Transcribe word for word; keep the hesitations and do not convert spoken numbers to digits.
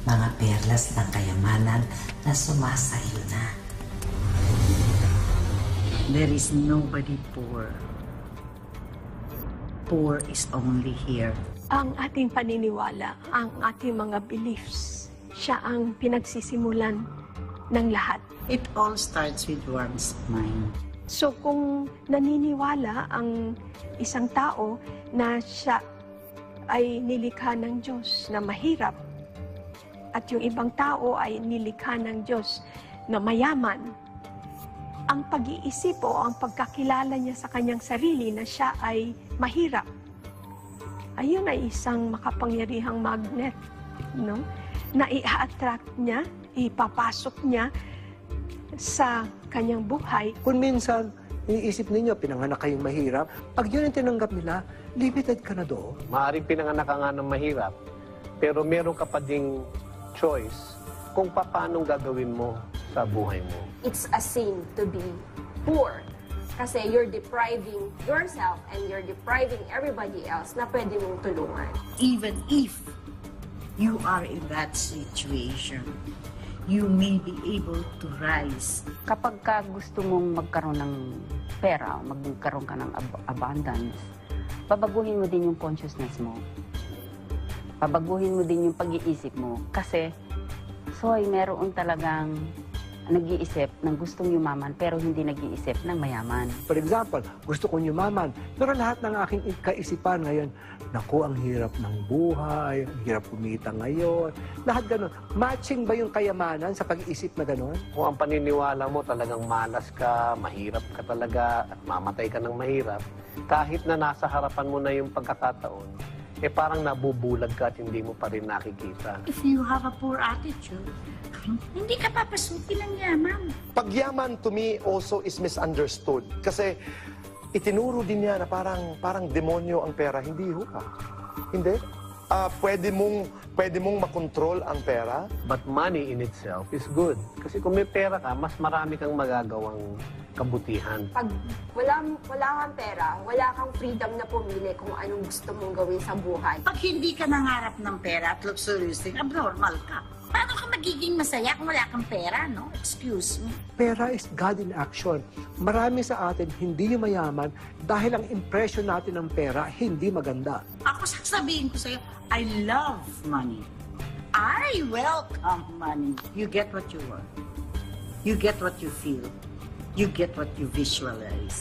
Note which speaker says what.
Speaker 1: mga perlas ng kayamanan na sumasayo na.
Speaker 2: There is nobody poor. Poor is only here.
Speaker 3: Ang ating paniniwala, ang ating mga beliefs, siya ang pinagsisimulan ng lahat.
Speaker 2: It all starts with one's mind.
Speaker 3: So kung naniniwala ang isang tao na siya ay nilikha ng Diyos na mahirap at yung ibang tao ay nilikha ng Diyos na mayaman, ang pag-iisip o ang pagkakilala niya sa kanyang sarili na siya ay mahirap, ayun ay isang makapangyarihang magnet, no? Na i-attract niya, ipapasok niya sa kanyang buhay.
Speaker 4: Kung minsan, iniisip ninyo, pinanganak kayong mahirap, pag yun ang tinanggap nila, limited ka na doon.
Speaker 5: Maaaring pinanganak ka nga ng mahirap, pero meron ka pa ding choice kung paano gagawin mo sa buhay mo.
Speaker 6: It's a sin to be poor kasi you're depriving yourself and you're depriving everybody else na pwede mong tulungan.
Speaker 2: Even if you are in that situation, you may be able to rise.
Speaker 7: Kapag ka gusto mong magkaroon ng pera, magkaroon ka ng ab- abundance, babaguhin mo din yung consciousness mo. Babaguhin mo din yung pag-iisip mo. Kasi, soy, meron talagang nag-iisip ng gustong yumaman pero hindi nag-iisip ng mayaman.
Speaker 4: For example, gusto kong yumaman, pero lahat ng aking kaisipan ngayon, naku, ang hirap ng buhay, ang hirap kumita ngayon, lahat ganun. Matching ba yung kayamanan sa pag-iisip na ganun?
Speaker 5: Kung ang paniniwala mo talagang malas ka, mahirap ka talaga, at mamatay ka ng mahirap, kahit na nasa harapan mo na yung pagkakataon, eh parang nabubulag ka at hindi mo pa rin nakikita.
Speaker 2: If you have a poor attitude, hindi ka papasukin ng yaman.
Speaker 8: Pagyaman to me also is misunderstood. Kasi itinuro din niya na parang, parang demonyo ang pera. Hindi ho ka. Hindi. Ah, pwede mong, pwede mong makontrol ang pera.
Speaker 5: But money in itself is good. Kasi kung may pera ka, mas marami kang magagawang kabutihan.
Speaker 6: Pag wala, wala kang pera, wala kang freedom na pumili kung anong gusto mong gawin sa buhay.
Speaker 2: Pag hindi ka nangarap ng pera at luxurious thing, abnormal ka. Paano ka magiging masaya kung wala kang pera, no? Excuse me.
Speaker 4: Pera is God in action. Marami sa atin hindi yung mayaman dahil ang impression natin ng pera hindi maganda.
Speaker 2: Ako sasabihin ko sa'yo, I love money. I welcome money. You get what you want. You get what you feel. You get what you visualize.